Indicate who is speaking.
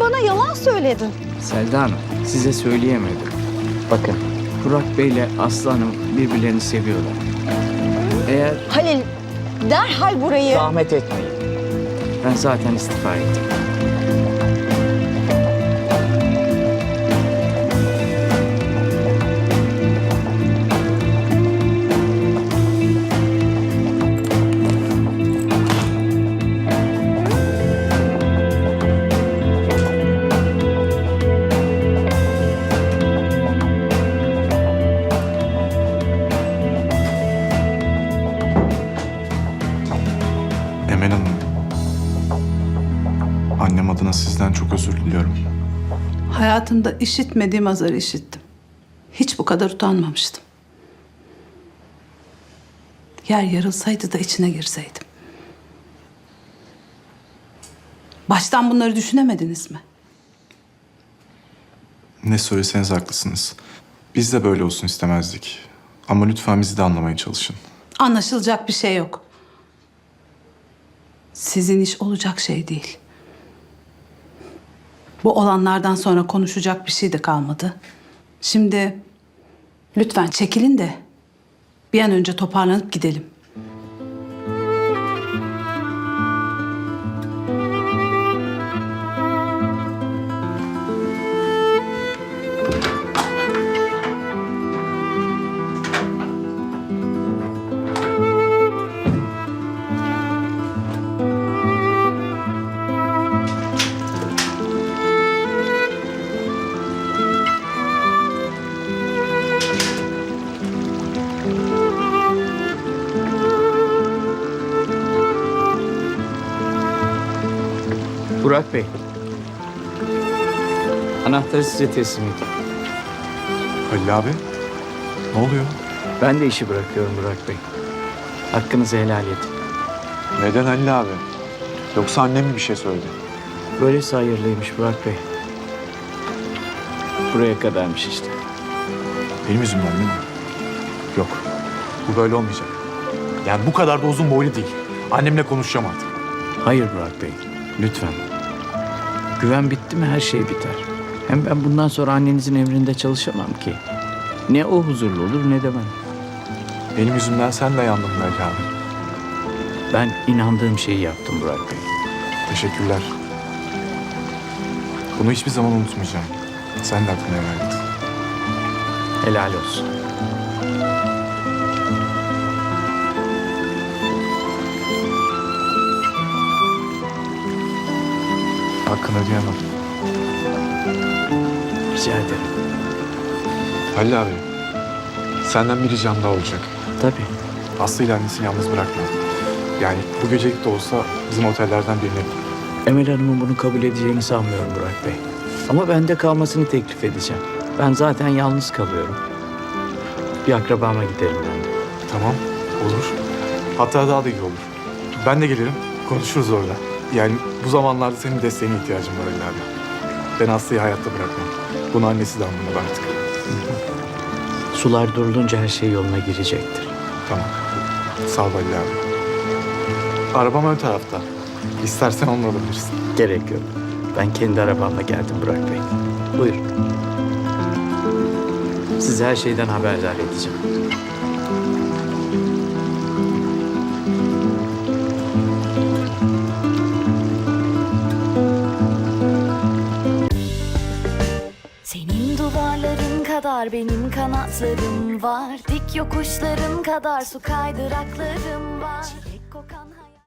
Speaker 1: bana yalan söyledin.
Speaker 2: Selda Hanım, size söyleyemedim. Bakın, Burak Bey ile Aslı Hanım birbirlerini seviyorlar. Eğer
Speaker 1: Halil, derhal burayı...
Speaker 2: zahmet etmeyin. Ben zaten istifa ettim.
Speaker 3: Emel Hanım, annem adına sizden çok özür diliyorum.
Speaker 4: Hayatımda işitmediğim azarı işittim. Hiç bu kadar utanmamıştım. Yer yarılsaydı da içine girseydim. Baştan bunları düşünemediniz mi?
Speaker 3: Ne söyleseniz haklısınız. Biz de böyle olsun istemezdik. Ama lütfen bizi de anlamaya çalışın.
Speaker 4: Anlaşılacak bir şey yok. Sizin iş olacak şey değil. Bu olanlardan sonra konuşacak bir şey de kalmadı. Şimdi lütfen çekilin de bir an önce toparlanıp gidelim.
Speaker 2: Burak Bey, anahtarı size teslim edeyim.
Speaker 3: Halil abi, ne oluyor?
Speaker 2: Ben de işi bırakıyorum Burak Bey. Hakkınızı helal edin.
Speaker 3: Neden Halil abi? Yoksa annem mi bir şey söyledi?
Speaker 2: Böylesi hayırlıymış Burak Bey. Buraya kadarmış işte.
Speaker 3: Benim yüzümden değil mi? Yok, bu böyle olmayacak. Yani bu kadar da uzun boylu değil. Annemle konuşacağım artık.
Speaker 2: Hayır Burak Bey, lütfen. Güven bitti mi her şey biter. Hem ben bundan sonra annenizin emrinde çalışamam ki. Ne o huzurlu olur ne de ben.
Speaker 3: Benim yüzümden sen de yandın Halil abi.
Speaker 2: Ben inandığım şeyi yaptım Burak Bey.
Speaker 3: Teşekkürler. Bunu hiçbir zaman unutmayacağım. Sen de hakkını helal et.
Speaker 2: Helal olsun.
Speaker 3: Hakkını ödeyemem.
Speaker 2: Rica ederim.
Speaker 3: Halil abi, senden bir ricam daha olacak.
Speaker 2: Tabii.
Speaker 3: Aslı ile annesini yalnız bırakma. Yani bu gecelik de olsa bizim otellerden birine git.
Speaker 2: Emel Hanım'ın bunu kabul edeceğini sanmıyorum Burak Bey. Ama bende kalmasını teklif edeceğim. Ben zaten yalnız kalıyorum. Bir akrabama giderim ben de.
Speaker 3: Tamam, olur. Hatta daha da iyi olur. Ben de gelirim, konuşuruz orada. Yani bu zamanlarda senin desteğine ihtiyacım var Halil abi. Ben Aslı'yı hayatta bırakmam. Bunu annesi de anlamalı artık.
Speaker 2: Sular durulunca her şey yoluna girecektir.
Speaker 3: Tamam. Sağ ol Halil abi. Arabam ön tarafta. İstersen onunla alabilirsin.
Speaker 2: Gerek yok. Ben kendi arabamla geldim Burak Bey. Buyurun. Sizi her şeyden haberdar edeceğim.
Speaker 5: Senin duvarların kadar benim kanatlarım var. Dik yokuşların kadar su kaydıraklarım var. Çilek kokan